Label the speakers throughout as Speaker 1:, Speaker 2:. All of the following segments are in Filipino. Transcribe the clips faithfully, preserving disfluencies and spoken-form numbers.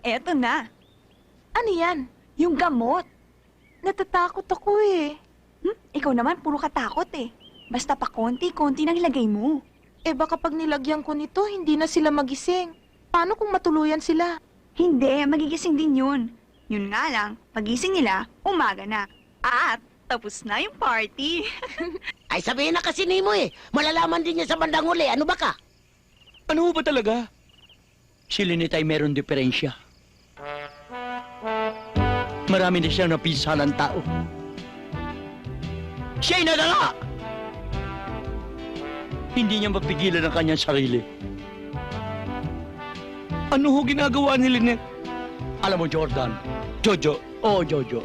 Speaker 1: Eto na,
Speaker 2: Ano yan?
Speaker 1: yung gamot.
Speaker 2: Natatakot ako eh.
Speaker 1: Hmm? Ikaw naman, puro katakot eh. Basta pa konti-konti nang ilagay mo.
Speaker 2: Eh baka pag nilagyan ko nito, hindi na sila magising. Paano kung matuluyan sila?
Speaker 1: Hindi, magigising din yun. Yun nga lang, pagising nila, umaga na. At tapos na yung party.
Speaker 3: Ay sabihin na kasi ni mo eh. Malalaman din niya sa bandang uli. Ano ba ka?
Speaker 4: Ano ba talaga? Si Lynette ay meron diferensya. Marami na siyang napisalang tao. Siya'y nadala! Hindi niya mapigilan ang kanyang sarili. Ano ho ginagawa ni Lynette? Alam mo, Jordan, Jojo, oo, Jojo.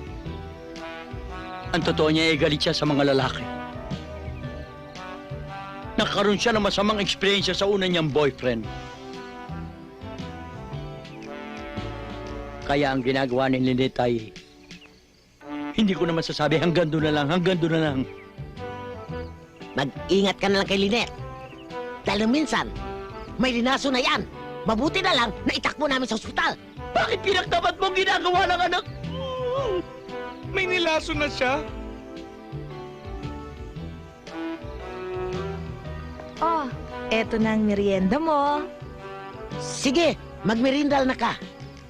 Speaker 4: Ang totoo niya ay galit siya sa mga lalaki. Nagkaroon siya ng masamang eksperyensya sa una niyang boyfriend. Kaya ang ginagawa ni Lynette ay... Hindi ko naman sasabi, hanggang doon na lang, hanggang doon na lang.
Speaker 3: Mag-ingat ka na lang kay Lynette. Dahil minsan, may linaso na yan. Mabuti na lang na itakbo namin sa ospital.
Speaker 4: Bakit pinagtapat mo ang ginagawa ng anak? May nilaso na siya.
Speaker 2: Oh, eto na ang merienda mo.
Speaker 3: Sige, magmerindal na ka.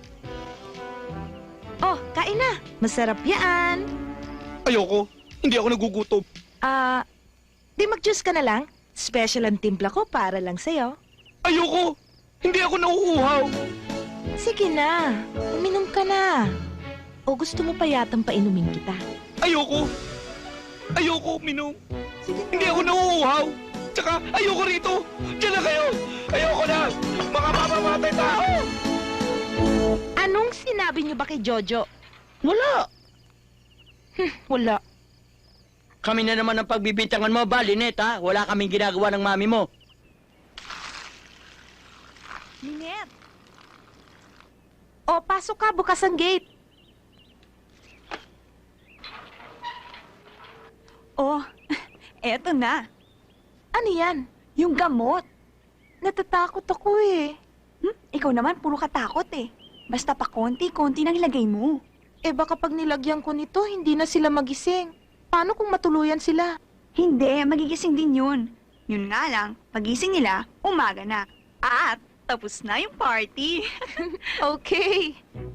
Speaker 2: Oh, kain na. Masarap yan.
Speaker 4: Ayoko. Hindi ako nagugutom.
Speaker 2: Ah, di mag-juice ka na lang. Special ang timpla ko para lang sa'yo.
Speaker 4: Ayoko. Hindi ako nauuhaw.
Speaker 2: Sige na, uminom ka na. O gusto mo pa yatang painumin kita?
Speaker 4: Ayoko. Ayoko, Minong. Hindi ako nauuhaw. Tsaka, ayoko rito. Diyan na kayo. Ayoko na. Mga mamamatay tao.
Speaker 2: Anong sinabi niyo ba kay Jojo?
Speaker 4: Wala.
Speaker 2: Wala.
Speaker 4: Kami na naman ang pagbibintangan mo, ba, Lynette, ha? Wala kaming ginagawa ng mami mo.
Speaker 1: Lynette!
Speaker 2: O, pasok ka, bukas ang gate.
Speaker 1: Oh, eto na,
Speaker 2: Ano yan?
Speaker 1: yung gamot.
Speaker 2: Natatakot ako eh.
Speaker 1: Hmm? Ikaw naman, puro katakot eh. Basta pa konti-konti nang ilagay mo.
Speaker 2: Eh baka pag nilagyan ko nito, hindi na sila magising. Paano kung matuluyan sila?
Speaker 1: Hindi, magigising din yun. Yun nga lang, pagising nila, umaga na. At tapos na yung party.
Speaker 2: Okay.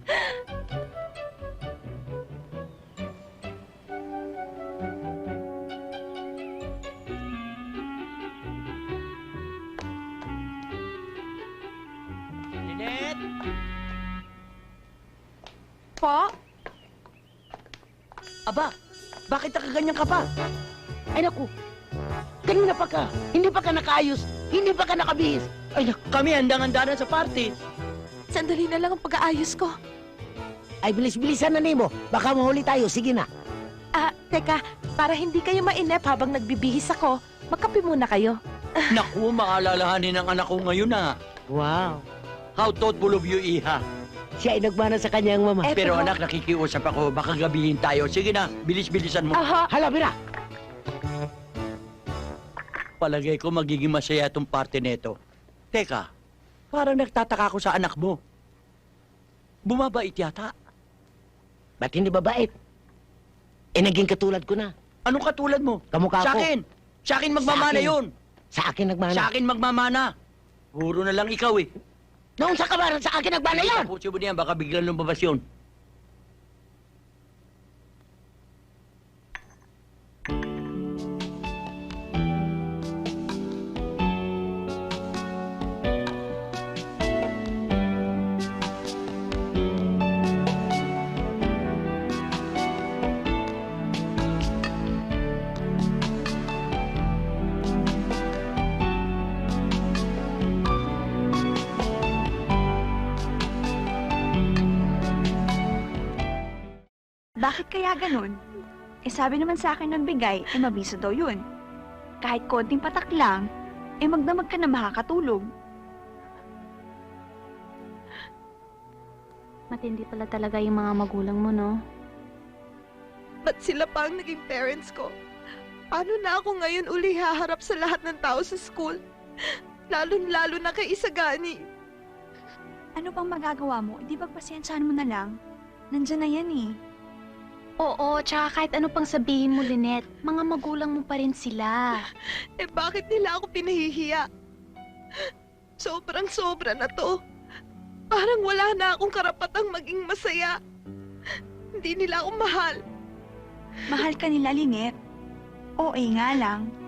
Speaker 4: Lynette!
Speaker 2: Po?
Speaker 3: Aba, bakit nakaganyan ka pa? Ay naku, kanina pa ka. Hindi pa ka nakaayos. Hindi pa ka nakabihis.
Speaker 4: Ay, kami handang-handa na sa party.
Speaker 2: Sandali na lang ang pag-aayos ko.
Speaker 3: Ay, bilis-bilisan na nimo. Baka mahuli tayo. Sige na.
Speaker 2: Ah, teka, para hindi kayo mainip habang nagbibihis ako, magkape muna kayo.
Speaker 4: Naku, maalalahanin ng anak ko ngayon, ha?
Speaker 3: Wow.
Speaker 4: How thoughtful of you, Iha.
Speaker 3: Siya ay nagmana sa kanyang mama.
Speaker 2: Eto
Speaker 4: Pero
Speaker 2: ho.
Speaker 4: anak, nakikiusap ako. Baka gabihin tayo. Sige na, bilis-bilisan mo.
Speaker 2: Aha,
Speaker 3: Hala, bira.
Speaker 4: Palagay ko magiging masaya itong party neto. Teka, parang nagtataka ako sa anak mo. Bumabait yata.
Speaker 3: Ba't hindi babait? Eh, naging katulad ko na.
Speaker 4: Anong katulad mo?
Speaker 3: Kamukha
Speaker 4: Sa
Speaker 3: ko.
Speaker 4: akin. Sa akin magmamana
Speaker 3: Sa akin.
Speaker 4: yun.
Speaker 3: Sa akin nagmana.
Speaker 4: Sa akin magmamana. Puro na lang ikaw eh.
Speaker 3: Noong sa kabaran, sa akin nagmana yan.
Speaker 4: Tapusin mo niyan, baka biglang lumabas yun.
Speaker 1: Bakit kaya ganun? Eh sabi naman sa akin ng bigay, eh mabiso daw yun. Kahit konting patak lang, eh magdamag ka na makakatulog.
Speaker 5: Matindi pala talaga yung mga magulang mo, no?
Speaker 2: ba't sila pa ang naging parents ko? Paano na ako ngayon uli haharap sa lahat ng tao sa school? Lalo-lalo na kay Isagani.
Speaker 1: Ano pang magagawa mo? Di ba pasensyahan mo na lang? Nandyan na yan eh.
Speaker 5: Oo, tsaka kahit ano pang sabihin mo, Lynette, mga magulang mo pa rin sila.
Speaker 2: Eh bakit nila ako pinahihiya? Sobrang sobra na to. Parang wala na akong karapatang maging masaya. Hindi nila ako mahal.
Speaker 1: Mahal ka nila, Lynette. Oo nga lang.